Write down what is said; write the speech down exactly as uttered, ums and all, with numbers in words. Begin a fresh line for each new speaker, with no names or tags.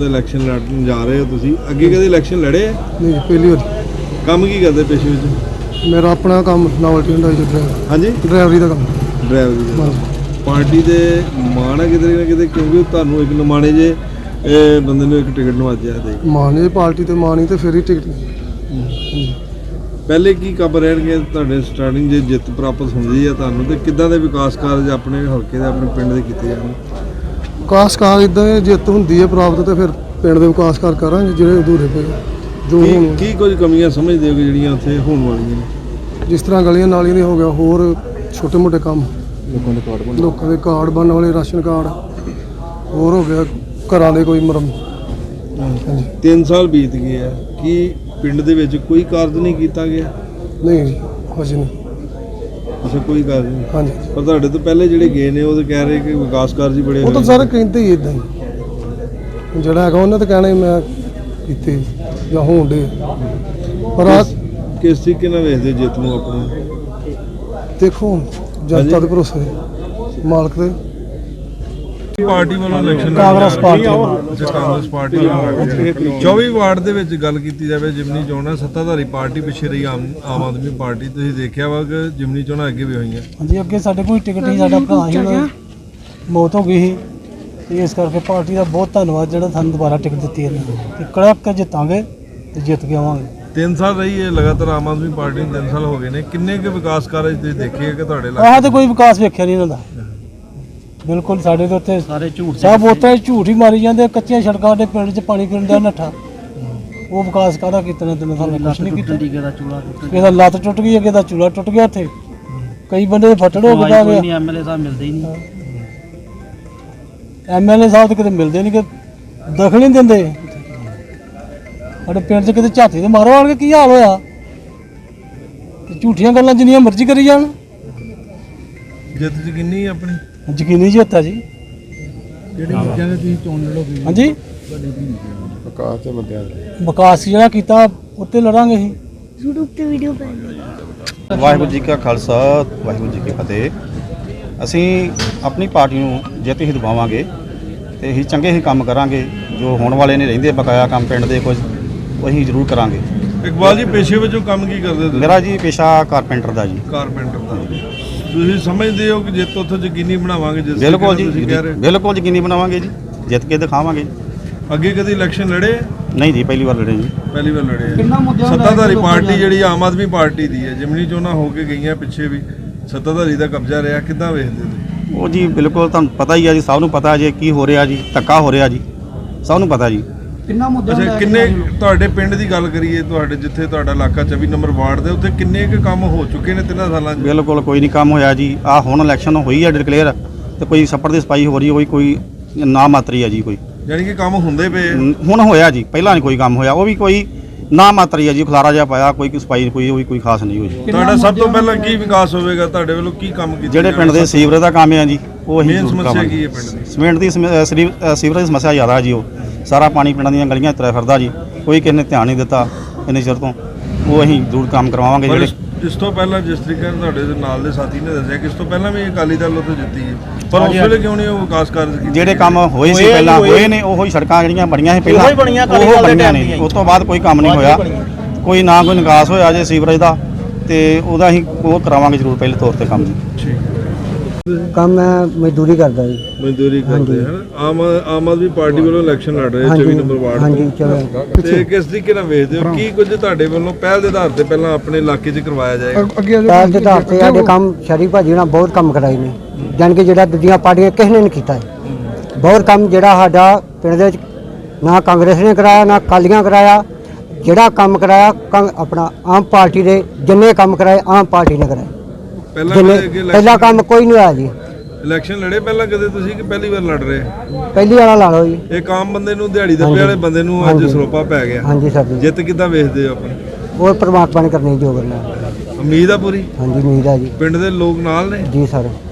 ਦੇ ਇਲੈਕਸ਼ਨ ਲੜਨ ਜਾ ਰਹੇ ਹੋ ਤੁਸੀਂ, ਅੱਗੇ ਕਦੇ ਇਲੈਕਸ਼ਨ ਲੜੇ?
ਨਹੀਂ ਪਹਿਲੀ ਵਾਰ।
ਕੰਮ ਕੀ ਕਰਦੇ ਪੇਸ਼ੇ ਵਿੱਚ?
ਮੇਰਾ ਆਪਣਾ ਕੰਮ ਨਾਵਲਟੀ ਹੁੰਦਾ ਜੀ, ਡਰਾਈਵਰ।
ਹਾਂਜੀ,
ਡਰਾਈਵਰੀ ਦਾ ਕੰਮ।
ਡਰਾਈਵਰੀ ਦਾ। ਪਾਰਟੀ ਦੇ ਮਾਣ ਹੈ ਕਿਤੇ ਨਾ ਕਿਤੇ, ਕਿਉਂਕਿ ਤੁਹਾਨੂੰ ਇੱਕ ਨਮਾਣੇ ਜੇ ਇਹ ਬੰਦੇ ਨੂੰ ਇੱਕ ਟਿਕਟ ਨਵਾਜਿਆ ਤੇ
ਮਾਨ ਜੀ ਪਾਰਟੀ ਤੇ ਮਾਨ ਹੀ ਤੇ ਫਿਰ ਹੀ ਟਿਕਟ।
ਪਹਿਲੇ ਕੀ ਕੰਮ ਰਹਿਣਗੇ ਤੁਹਾਡੇ ਸਟਾਰਟਿੰਗ ਜੇ ਜਿੱਤ ਪ੍ਰਾਪਤ ਹੁੰਦੀ ਹੈ ਤੁਹਾਨੂੰ, ਤੇ ਕਿੱਦਾਂ ਦੇ ਵਿਕਾਸ ਕਾਰਜ ਆਪਣੇ ਹਲਕੇ ਦੇ ਆਪਣੇ ਪਿੰਡ ਦੇ ਕੀਤੇ ਜਾਣ?
ਵਿਕਾਸ ਕਾਰਜ ਇਦਾਂ ਜਿੱਤ ਹੁੰਦੀ ਹੈ ਪ੍ਰਾਪਤ ਤੇ ਫਿਰ ਪਿੰਡ ਦੇ ਵਿਕਾਸ ਕਾਰ ਕਰਾਂਗੇ ਜਿਹੜੇ ਅਧੂਰੇ ਪਏ ਜੋ
ਕੀ ਕੀ ਕੁਝ ਕਮੀਆਂ ਸਮਝਦੇ ਹੋ ਕਿ ਜਿਹੜੀਆਂ ਉੱਥੇ ਹੋਣ ਵਾਲੀਆਂ ਨੇ?
ਜਿਸ ਤਰ੍ਹਾਂ ਗਲੀਆਂ ਨਾਲੀਆਂ ਦੇ ਹੋ ਗਿਆ, ਹੋਰ ਛੋਟੇ ਮੋਟੇ ਕੰਮ, ਲੋਕਾਂ ਦੇ ਕਾਰਡ ਲੋਕਾਂ ਦੇ ਕਾਰਡ ਬਣਨ ਵਾਲੇ, ਰਾਸ਼ਨ ਕਾਰਡ, ਹੋਰ ਹੋ ਗਿਆ ਘਰਾਂ ਦੇ ਕੋਈ ਮਰਮ। ਹਾਂਜੀ,
ਤਿੰਨ ਸਾਲ ਬੀਤ ਗਏ ਆ, ਕੀ ਪਿੰਡ ਦੇ ਵਿੱਚ ਕੋਈ ਕਾਰਜ ਨਹੀਂ ਕੀਤਾ ਗਿਆ?
ਨਹੀਂ ਜੀ ਹਜੇ ਨਹੀਂ।
ਅੱਛਾ, ਕੋਈ ਕਾਰਜ ਨਹੀਂ।
ਹਾਂਜੀ,
ਪਰ ਤੁਹਾਡੇ ਤੋਂ ਪਹਿਲੇ ਜਿਹੜੇ ਗਏ ਨੇ ਉਹ ਤਾਂ ਕਹਿ ਰਹੇ ਕਿ ਵਿਕਾਸ ਕਾਰਜ ਹੀ ਬੜੇ
ਉਹ ਤਾਂ ਸਾਰੇ ਕਹਿੰਦੇ ਹੀ ਇਦਾਂ ਹੀ, ਜਿਹੜਾ ਹੈਗਾ ਉਹਨੇ ਤਾਂ ਕਹਿਣਾ ਹੀ ਮੈਂ ਕੀਤੇ ਜਾਂ ਹੋਣ ਦੇ। ਪਰ ਆ
ਕਿਸ ਤਰੀਕੇ ਨਾਲ ਵੇਖਦੇ ਜਿੱਤ ਨੂੰ ਆਪਣੇ?
ਦੇਖੋ ਜਨਤਾ ਦੇ ਭਰੋਸੇ, ਮਾਲਕ ਦੇ।
ਪਾਰਟੀ ਵੱਲੋਂ election
Congress party
Congress party ਚੌਵੀ ਵਾਰਡ ਦੇ ਵਿੱਚ ਗੱਲ ਕੀਤੀ ਜਾਵੇ ਜਿਮਨੀ ਚੋਣਾਂ, ਸੱਤਾਧਾਰੀ ਪਾਰਟੀ ਪਿੱਛੇ ਰਹੀ ਆਮ ਆਮ ਆਦਮੀ ਪਾਰਟੀ। ਤੁਸੀਂ ਦੇਖਿਆ ਵਾ ਕਿ ਜਿਮਨੀ ਚੋਣਾਂ ਅੱਗੇ ਵੀ ਹੋਈਆਂ।
ਹਾਂਜੀ, ਅੱਗੇ ਸਾਡੇ ਕੋਈ ਟਿਕਟ ਨਹੀਂ, ਸਾਡਾ ਭਰਾ ਹੀ ਉਹਨਾਂ ਦੀ ਮੌਤ ਹੋ ਗਈ ਸੀ। ਇਸ ਕਰਕੇ ਪਾਰਟੀ ਦਾ ਬਹੁਤ ਧੰਨਵਾਦ ਜਿਹੜਾ ਸਾਨੂੰ ਦੁਬਾਰਾ ਟਿਕਟ ਦਿੱਤੀ ਇਹਨਾਂ ਨੇ, ਤੇ ਕੜਕ ਕੇ ਜਿੱਤਾਂਗੇ ਤੇ ਜਿੱਤ ਕੇ ਆਵਾਂਗੇ।
ਤਿੰਨ ਸਾਲ ਰਹੀ ਹੈ ਲਗਾਤਾਰ ਆਮ ਆਦਮੀ ਪਾਰਟੀ ਨੂੰ, ਤਿੰਨ ਸਾਲ ਹੋ ਗਏ ਨੇ। ਕਿੰਨੇ ਕੁ ਵਿਕਾਸ ਕਾਰਜ ਤੁਸੀਂ ਦੇਖੇ ਕਿ ਤੁਹਾਡੇ
ਆਹ ਤੇ ਕੋਈ ਵਿਕਾਸ ਵੇਖਿਆ ਨਹੀਂ ਇਹਨਾਂ ਦਾ ਬਿਲਕੁਲ। ਸਾਡੇ ਦੇ ਉੱਤੇ ਸਾਰੇ ਝੂਠ ਸਭ ਉੱਤੇ ਝੂਠ ਹੀ ਮਾਰੀ ਜਾਂਦੇ। ਕੱਚੀਆਂ ਸੜਕਾਂ ਦੇ ਪਿੰਡ 'ਚ ਪਾਣੀ ਪੀਣ ਦਾ ਨੱਠਾ, ਉਹ ਵਿਕਾਸ ਕਾਹਦਾ ਕੀਤਾ ਨੇ? ਤਿੰਨ ਸਾਲ ਕੁਛ ਨਹੀਂ ਕੀਤਾ। ਕਿਸੇ ਦਾ ਲੱਤ ਟੁੱਟ ਗਈ, ਕਿਸੇ ਦਾ ਚੂਲਾ ਟੁੱਟ ਗਿਆ, ਉੱਥੇ ਕਈ ਬੰਦੇ ਦੇ ਫੱਟੜ ਹੋ ਗਿਆ।
ਐਮਐਲਏ ਸਾਹਿਬ ਮਿਲਦੇ ਹੀ ਨਹੀਂ।
ਐਮਐਲਏ ਸਾਹਿਬ ਤੇ ਕਿਤੇ ਮਿਲਦੇ ਨਹੀਂ, ਕਿ ਦਖਲ ਨਹੀਂ ਦਿੰਦੇ। ਸਾਡੇ ਪਿੰਡ 'ਚ ਕਿਤੇ ਝਾਤੀ ਦੇ ਮਾਰੋ ਆਣ ਕੇ ਕੀ ਹਾਲ ਹੋਇਆ? ਝੂਠੀਆਂ ਗੱਲਾਂ ਜਿੰਨੀਆਂ ਮਰਜ਼ੀ ਕਰੀ ਜਾਣ।
ਜਿੱਤ ਯਕੀਨੀ ਆਪਣੀ?
ਯਕੀਨੀ ਜਿੱਤ ਹੈ ਜੀ।
ਜਿਹੜੀ ਚੀਜ਼ਾਂ ਦੇ ਤੁਸੀਂ ਚੋਣ ਲੜੋਗੇ?
ਹਾਂਜੀ,
ਵਿਕਾਸ ਦੇ ਮੁੱਦਿਆਂ ਤੇ
ਵਿਕਾਸ ਜਿਹੜਾ ਕੀਤਾ ਉੱਤੇ ਲੜਾਂਗੇ ਅਸੀਂ।
YouTube ਤੇ ਵੀਡੀਓ ਪਾਉਂਦੇ।
ਵਾਹਿਗੁਰੂ ਜੀ ਕਾ ਖਾਲਸਾ, ਵਾਹਿਗੁਰੂ ਜੀ ਕੀ ਫਤਿਹ। ਅਸੀਂ ਆਪਣੀ ਪਾਰਟੀ ਨੂੰ ਜਿੱਤ ਹੀ ਦਿਵਾਵਾਂਗੇ ਤੇ ਅਸੀਂ ਚੰਗੇ ਹੀ ਕੰਮ ਕਰਾਂਗੇ। ਜੋ ਹੋਣ ਵਾਲੇ ਨੇ ਰਹਿੰਦੇ ਬਕਾਇਆ ਕੰਮ ਪਿੰਡ ਦੇ ਕੁਝ ਉਹ ਅਸੀਂ ਜ਼ਰੂਰ ਕਰਾਂਗੇ।
ਇਕਬਾਲ ਜੀ, ਪੇਸ਼ੇ ਵਜੋਂ ਕੰਮ ਕੀ ਕਰਦੇ ਤੁਸੀਂ?
ਮੇਰਾ ਜੀ ਪੇਸ਼ਾ ਕਾਰਪੈਂਟਰ ਦਾ ਜੀ।
ਕਾਰਪੈਂਟਰ ਦਾ। ਤੁਸੀਂ ਸਮਝਦੇ ਹੋ ਕਿ ਜਿੱਤ ਉੱਥੇ ਯਕੀਨੀ ਬਣਾਵਾਂਗੇ? ਜਿਸ
ਬਿਲਕੁਲ ਜੀ,
ਤੁਸੀਂ ਕਹਿ ਰਹੇ
ਬਿਲਕੁਲ ਯਕੀਨੀ ਬਣਾਵਾਂਗੇ ਜੀ, ਜਿੱਤ ਕੇ ਦਿਖਾਵਾਂਗੇ।
ਅੱਗੇ ਕਦੀ ਇਲੈਕਸ਼ਨ ਲੜੇ?
ਨਹੀਂ ਜੀ, ਪਹਿਲੀ ਵਾਰ ਲੜੇ ਜੀ।
ਪਹਿਲੀ ਵਾਰ ਲੜੇ। ਸੱਤਾਧਾਰੀ ਪਾਰਟੀ ਜਿਹੜੀ ਆਮ ਆਦਮੀ ਪਾਰਟੀ ਦੀ ਹੈ, ਜਿਮਨੀ ਚੋਣਾਂ ਹੋ ਕੇ ਗਈਆਂ ਪਿੱਛੇ ਵੀ ਸੱਤਾਧਾਰੀ ਦਾ ਕਬਜ਼ਾ ਰਿਹਾ, ਕਿੱਦਾਂ ਵੇਖਦੇ ਤੁਸੀਂ?
ਉਹ ਜੀ ਬਿਲਕੁਲ ਤੁਹਾਨੂੰ ਪਤਾ ਹੀ ਆ ਜੀ, ਸਭ ਨੂੰ ਪਤਾ ਜੇ ਕੀ ਹੋ ਰਿਹਾ ਜੀ, ਧੱਕਾ ਹੋ ਰਿਹਾ ਜੀ, ਸਭ ਨੂੰ ਪਤਾ ਜੀ।
ਅੱਛਾ, ਕਿੰਨੇ ਤੁਹਾਡੇ ਪਿੰਡ ਦੀ ਗੱਲ ਕਰੀਏ, ਤੁਹਾਡੇ ਜਿੱਥੇ ਤੁਹਾਡਾ ਇਲਾਕਾ ਚੌਵੀ ਨੰਬਰ ਵਾਰਡ ਦੇ ਉੱਤੇ ਕਿੰਨੇ ਕੁ ਕੰਮ ਹੋ ਚੁੱਕੇ ਨੇ ਤਿੰਨਾਂ ਸਾਲਾਂ 'ਚ?
ਬਿਲਕੁਲ ਕੋਈ ਨਹੀਂ ਕੰਮ ਹੋਇਆ ਜੀ। ਆ ਹੁਣ ਇਲੈਕਸ਼ਨ ਹੋਈ ਹੈ ਡਿਕਲੇਅਰ, ਤੇ ਕੋਈ ਛੱਪੜ ਦੀ ਸਫਾਈ ਹੋ ਰਹੀ ਹੋਈ, ਕੋਈ ਨਾ ਮਾਤਰੀ ਹੈ ਜੀ। ਕੋਈ
ਯਾਨੀ ਕਿ ਕੰਮ ਹੁੰਦੇ ਪਏ?
ਹੁਣ ਹੋਇਆ ਜੀ, ਪਹਿਲਾਂ ਨਹੀਂ ਕੋਈ ਕੰਮ ਹੋਇਆ, ਉਹ ਵੀ ਕੋਈ ਨਾ ਮਾਤਰੀ ਹੈ ਜੀ। ਖਲਾਰਾ ਜਿਹਾ ਪਾਇਆ, ਕੋਈ ਸਫਾਈ ਕੋਈ ਉਹ ਵੀ ਕੋਈ ਖਾਸ ਨਹੀਂ ਹੋਈ।
ਤੁਹਾਡਾ ਸਭ ਤੋਂ ਪਹਿਲਾਂ ਕੀ ਵਿਕਾਸ ਹੋਵੇਗਾ? ਤੁਹਾਡੇ ਵੱਲੋਂ ਕੀ ਕੰਮ ਕੀਤੇ?
ਜਿਹੜੇ ਪਿੰਡ ਦੇ ਸੀਵਰੇਜ ਦਾ ਕੰਮ ਹੈ ਜੀ, ਉਹ ਅਸੀਂ
ਸਮੱਸਿਆ ਕੀ ਹੈ ਪਿੰਡ ਦੀ?
ਸੀਮੈਂਟ ਦੀ ਸੀਵਰੇਜ ਦੀ ਸਮੱਸਿਆ ਜ਼ਿਆਦਾ ਜੀ। ਉਹ ਸਾਰਾ ਪਾਣੀ ਪਿੰਡਾਂ ਦੀਆਂ ਗਲੀਆਂ ਤੁਰਿਆ ਫਿਰਦਾ ਜੀ, ਕੋਈ ਕਿਸੇ ਨੇ ਧਿਆਨ ਨਹੀਂ ਦਿੱਤਾ ਇੰਨੇ ਚਿਰ ਤੋਂ। ਉਹ ਅਸੀਂ ਜ਼ਰੂਰ ਕੰਮ ਕਰਵਾਵਾਂਗੇ। ਜਿਹੜੇ
ਇਸ ਤੋਂ ਪਹਿਲਾਂ ਜਿਸ ਤਰੀਕੇ ਨਾਲ ਤੁਹਾਡੇ ਦੇ ਨਾਲ ਦੇ ਸਾਥੀ ਨੇ ਦੱਸਿਆ ਕਿ ਇਸ ਤੋਂ ਪਹਿਲਾਂ ਵੀ ਅਕਾਲੀ ਦਲ ਉੱਥੇ ਜਿੱਤੀ ਹੈ, ਪਰ ਉਸ ਵੇਲੇ ਕਿਉਂ ਨਹੀਂ ਉਹ ਵਿਕਾਸ ਕਾਰਜ ਕੀਤੇ?
ਜਿਹੜੇ ਕੰਮ ਹੋਏ ਸੀ ਪਹਿਲਾਂ ਹੋਏ ਨੇ, ਉਹੀ ਸੜਕਾਂ ਜਿਹੜੀਆਂ ਬਣੀਆਂ ਸੀ ਪਹਿਲਾਂ ਉਹ ਬਣੀਆਂ ਨੇ। ਉਸ ਤੋਂ ਬਾਅਦ ਕੋਈ ਕੰਮ ਨਹੀਂ ਹੋਇਆ, ਕੋਈ ਨਾ ਕੋਈ ਨਿਕਾਸ ਹੋਇਆ ਜੇ ਸੀਵਰੇਜ ਦਾ, ਤੇ ਉਹਦਾ ਅਸੀਂ ਉਹ ਕਰਾਵਾਂਗੇ ਜ਼ਰੂਰ ਪਹਿਲੇ ਤੌਰ ਤੇ ਕੰਮ ਜੀ।
ਕੰਮ ਮੈਂ ਮਜ਼ਦੂਰੀ ਕਰਦਾ ਜੀ।
ਮਜ਼ਦੂਰੀ ਕਰਦੇ ਹਨ। ਆਮ ਆਮ ਆਦਮੀ ਪਾਰਟੀ ਵੱਲੋਂ ਇਲੈਕਸ਼ਨ ਲੜ ਰਹੇ ਚੌਵੀ ਨੰਬਰ ਵਾਰਡ
ਹਾਂਜੀ,
ਤੋਂ, ਤੇ ਕਿਸ ਤਰੀਕੇ ਨਾਲ ਵੇਖਦੇ ਹੋ? ਕੀ ਕੁਝ ਤੁਹਾਡੇ ਵੱਲੋਂ ਪਹਿਲ ਦੇ ਆਧਾਰ ਤੇ ਪਹਿਲਾਂ ਆਪਣੇ ਇਲਾਕੇ 'ਚ ਕਰਵਾਇਆ ਜਾਏਗਾ?
ਪਹਿਲ ਦੇ ਆਧਾਰ ਤੇ ਸਾਡੇ ਕੰਮ ਸ਼ਰੀਫ ਭਾਜੀ ਨਾਲ ਬਹੁਤ ਕੰਮ ਕਰਾਏ ਨੇ, ਜਾਣੀ ਕਿ ਜਿਹੜਾ ਦੂਜੀਆਂ ਪਾਰਟੀਆਂ ਕਿਸੇ ਨੇ ਨਹੀਂ ਕੀਤਾ ਹੈ। ਬਹੁਤ ਕੰਮ ਜਿਹੜਾ ਸਾਡਾ ਪਿੰਡ ਦੇ ਵਿੱਚ ਨਾ ਕਾਂਗਰਸ ਨੇ ਕਰਾਇਆ, ਨਾ ਅਕਾਲੀਆਂ ਕਰਾਇਆ। ਜਿਹੜਾ ਕੰਮ ਕਰਾਇਆ ਆਪਣਾ ਆਮ ਪਾਰਟੀ ਦੇ, ਜਿੰਨੇ ਕੰਮ ਕਰਾਏ ਆਮ ਪਾਰਟੀ ਨੇ ਕਰਾਏ। ਪਹਿਲਾ ਕੰਮ ਕੋਈ ਨਹੀਂ ਹੋਇਆ ਜੀ।
ਇਲੈਕਸ਼ਨ ਲੜੇ ਪਹਿਲਾਂ ਕਦੇ ਤੁਸੀਂ ਕਿ ਪਹਿਲੀ ਵਾਰ ਲੜ ਰਹੇ?
ਪਹਿਲੀ ਵਾਲਾ ਲਾ ਲਓ ਜੀ।
ਇੱਕ ਆਮ ਬੰਦੇ ਨੂੰ, ਦਿਹਾੜੀ ਦੱਪੇ ਵਾਲੇ ਬੰਦੇ ਨੂੰ ਅੱਜ ਸਰੋਪਾ ਪੈ ਗਿਆ।
ਹਾਂਜੀ ਸਰ ਜੀ।
ਜਿੱਤ ਕਿੱਦਾਂ ਵੇਖਦੇ ਹੋ ਆਪਣੀ?
ਉਹ ਪਰਮਾਤਮਾ ਨੇ ਕਰਨੀ ਜੋ ਕਰਨਾ।
ਉਮੀਦ ਆ ਪੂਰੀ?
ਹਾਂਜੀ ਉਮੀਦ ਆ ਜੀ।
ਪਿੰਡ ਦੇ ਲੋਕ ਨਾਲ ਨੇ
ਜੀ ਸਰ।